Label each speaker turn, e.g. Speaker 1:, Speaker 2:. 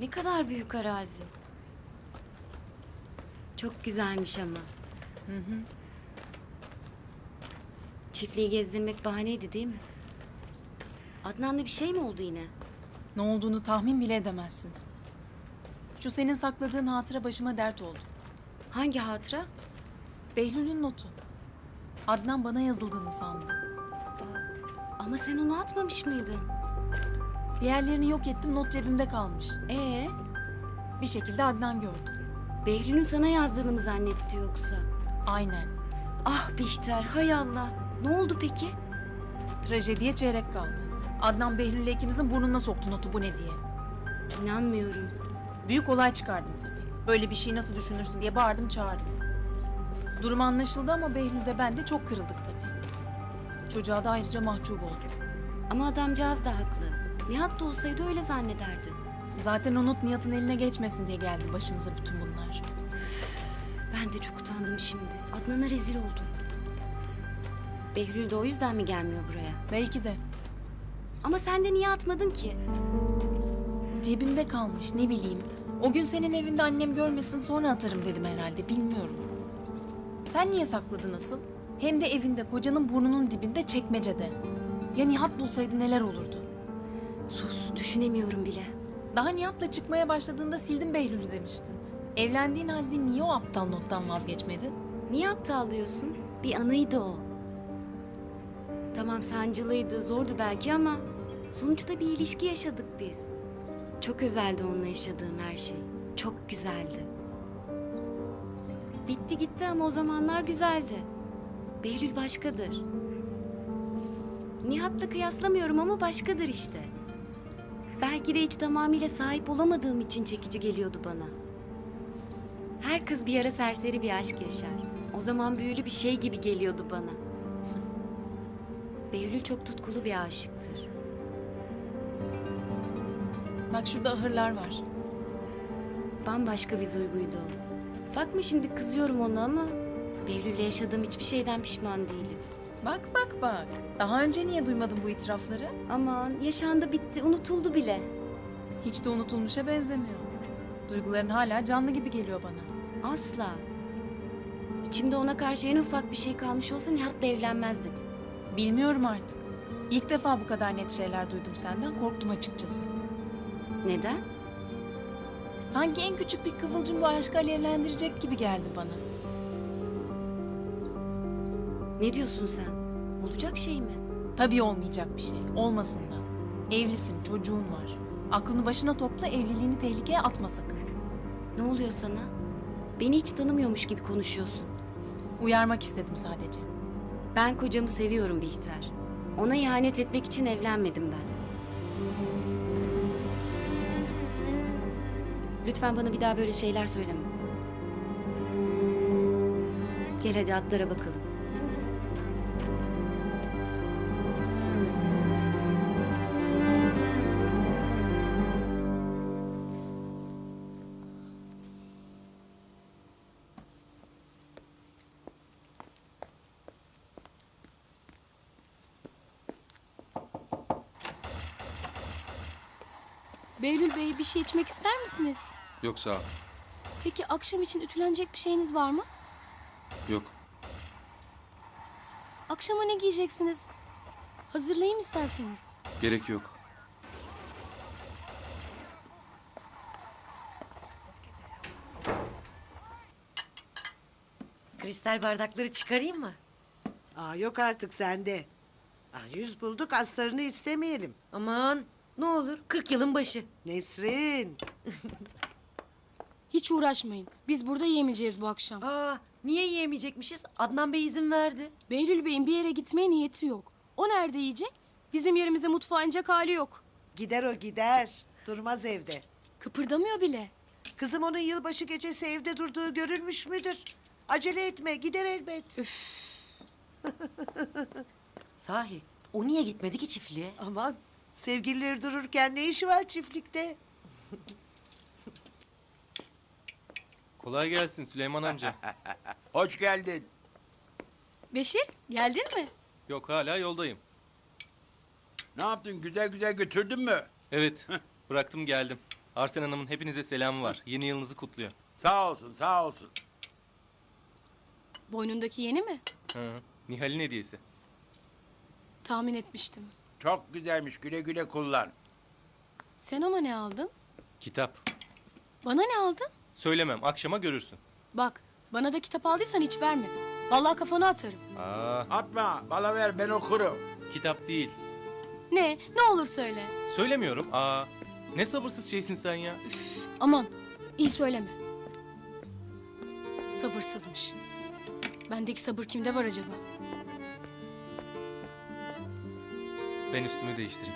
Speaker 1: Ne kadar büyük arazi. Çok güzelmiş ama. Çiftliği gezdirmek bahaneydi değil mi? Adnan'la bir şey mi oldu yine?
Speaker 2: Ne olduğunu tahmin bile edemezsin. Şu senin sakladığın hatıra başıma dert oldu.
Speaker 1: Hangi hatıra?
Speaker 2: Behlül'ün notu. Adnan bana yazıldığını sandı.
Speaker 1: Ama sen onu atmamış mıydın?
Speaker 2: Diğerlerini yok ettim, not cebimde kalmış. Bir şekilde Adnan gördü.
Speaker 1: Behlül'ün sana yazdığını mı zannetti yoksa?
Speaker 2: Aynen.
Speaker 1: Ah Bihter, hay Allah. Ne oldu peki?
Speaker 2: Trajediye çeyrek kaldı. Adnan Behlül'le ikimizin burnuna soktu notu, bu ne diye.
Speaker 1: İnanmıyorum.
Speaker 2: Büyük olay çıkardım tabii. Böyle bir şeyi nasıl düşünürsün diye bağırdım çağırdım. Durum anlaşıldı ama Behlül de ben de çok kırıldık tabii. Çocuğa da ayrıca mahcup oldum.
Speaker 1: Ama adamcağız da haklı. Nihat da olsaydı öyle zannederdi.
Speaker 2: Zaten o not Nihat'ın eline geçmesin diye geldi başımıza bütün bunlar.
Speaker 1: Ben de çok utandım şimdi. Adnan'a rezil oldum. Behlül de o yüzden mi gelmiyor buraya?
Speaker 2: Belki de.
Speaker 1: Ama sen de niye atmadın ki?
Speaker 2: Cebimde kalmış, ne bileyim. O gün senin evinde annem görmesin, sonra atarım dedim herhalde, bilmiyorum. Sen niye sakladın asıl? Hem de evinde, kocanın burnunun dibinde, çekmecede. Ya Nihat bulsaydı neler olurdu?
Speaker 1: Sus, düşünemiyorum bile.
Speaker 2: Daha Nihat'la çıkmaya başladığında sildim Behlül'ü demiştin. Evlendiğin halde niye o aptal nottan vazgeçmedin?
Speaker 1: Niye aptal diyorsun? Bir anıydı o. Tamam sancılıydı, zordu belki ama sonuçta bir ilişki yaşadık biz. Çok özeldi onunla yaşadığım her şey. Çok güzeldi. Bitti gitti ama o zamanlar güzeldi. Behlül başkadır. Nihat'la kıyaslamıyorum ama başkadır işte. Belki de hiç tamamıyla sahip olamadığım için çekici geliyordu bana. Her kız bir ara serseri bir aşk yaşar. O zaman büyülü bir şey gibi geliyordu bana. Behlül çok tutkulu bir aşıktır.
Speaker 2: Bak şurada ahırlar var.
Speaker 1: Bambaşka bir duyguydu o. Bakma şimdi kızıyorum ona ama Behlül'le yaşadığım hiçbir şeyden pişman değilim.
Speaker 2: Bak bak bak. Daha önce niye duymadın bu itirafları?
Speaker 1: Aman yaşandı bitti unutuldu bile.
Speaker 2: Hiç de unutulmuşa benzemiyor. Duyguların hala canlı gibi geliyor bana.
Speaker 1: Asla. İçimde ona karşı en ufak bir şey kalmış olsa Nihat'la evlenmezdim.
Speaker 2: Bilmiyorum artık. İlk defa bu kadar net şeyler duydum senden, korktum açıkçası.
Speaker 1: Neden?
Speaker 2: Sanki en küçük bir kıvılcım bu aşkı alevlendirecek gibi geldi bana.
Speaker 1: Ne diyorsun sen? Olacak şey mi?
Speaker 2: Tabii olmayacak bir şey, olmasın da. Evlisin, çocuğun var. Aklını başına topla, evliliğini tehlikeye atma sakın.
Speaker 1: Ne oluyor sana? Beni hiç tanımıyormuş gibi konuşuyorsun.
Speaker 2: Uyarmak istedim sadece.
Speaker 1: Ben kocamı seviyorum Bihter. Ona ihanet etmek için evlenmedim ben. Lütfen bana bir daha böyle şeyler söyleme. Gel hadi atlara bakalım.
Speaker 3: Behlül Bey bir şey içmek ister misiniz?
Speaker 4: Yok sağ ol.
Speaker 3: Peki akşam için ütülenecek bir şeyiniz var mı?
Speaker 4: Yok.
Speaker 3: Akşama ne giyeceksiniz? Hazırlayayım isterseniz.
Speaker 4: Gerek yok.
Speaker 5: Kristal bardakları çıkarayım mı?
Speaker 6: Yok artık sende. Yüz bulduk astarını istemeyelim.
Speaker 5: Aman ne olur 40 yılın başı.
Speaker 6: Nesrin.
Speaker 3: Hiç uğraşmayın. Biz burada yemeyeceğiz bu akşam.
Speaker 5: Niye yiyemeyecekmişiz? Adnan Bey izin verdi.
Speaker 3: Behlül Bey'in bir yere gitmeye niyeti yok. O nerede yiyecek? Bizim yerimize mutfağa inecek hali yok.
Speaker 6: Gider o gider. Durmaz evde.
Speaker 3: Kıpırdamıyor bile.
Speaker 6: Kızım onun yılbaşı gecesi evde durduğu görülmüş müdür? Acele etme gider elbet.
Speaker 5: Sahi o niye gitmedi ki çiftliğe?
Speaker 6: Aman sevgilileri dururken ne işi var çiftlikte?
Speaker 7: Kolay gelsin Süleyman amca.
Speaker 8: Hoş geldin.
Speaker 3: Beşir geldin mi?
Speaker 7: Yok hala yoldayım.
Speaker 8: Ne yaptın? Güzel güzel götürdün mü?
Speaker 7: Evet bıraktım geldim. Arsen Hanım'ın hepinize selamı var. Yeni yılınızı kutluyor.
Speaker 8: Sağ olsun, sağ olsun.
Speaker 3: Boynundaki yeni mi?
Speaker 7: Hı. Nihal'in hediyesi.
Speaker 3: Tahmin etmiştim.
Speaker 8: Çok güzelmiş, güle güle kullan.
Speaker 3: Sen ona ne aldın?
Speaker 7: Kitap.
Speaker 3: Bana ne aldın?
Speaker 7: Söylemem, akşama görürsün.
Speaker 3: Bak, bana da kitap aldıysan hiç verme. Vallahi kafana atarım.
Speaker 7: Aa,
Speaker 8: Atma, bana ver, ben okurum.
Speaker 7: kitap değil.
Speaker 3: Ne olur söyle.
Speaker 7: Söylemiyorum. Aa, ne sabırsız şeysin sen ya.
Speaker 3: Aman, iyi söyleme. Sabırsızmış. Bendeki sabır kimde var acaba?
Speaker 7: Ben üstümü değiştireyim.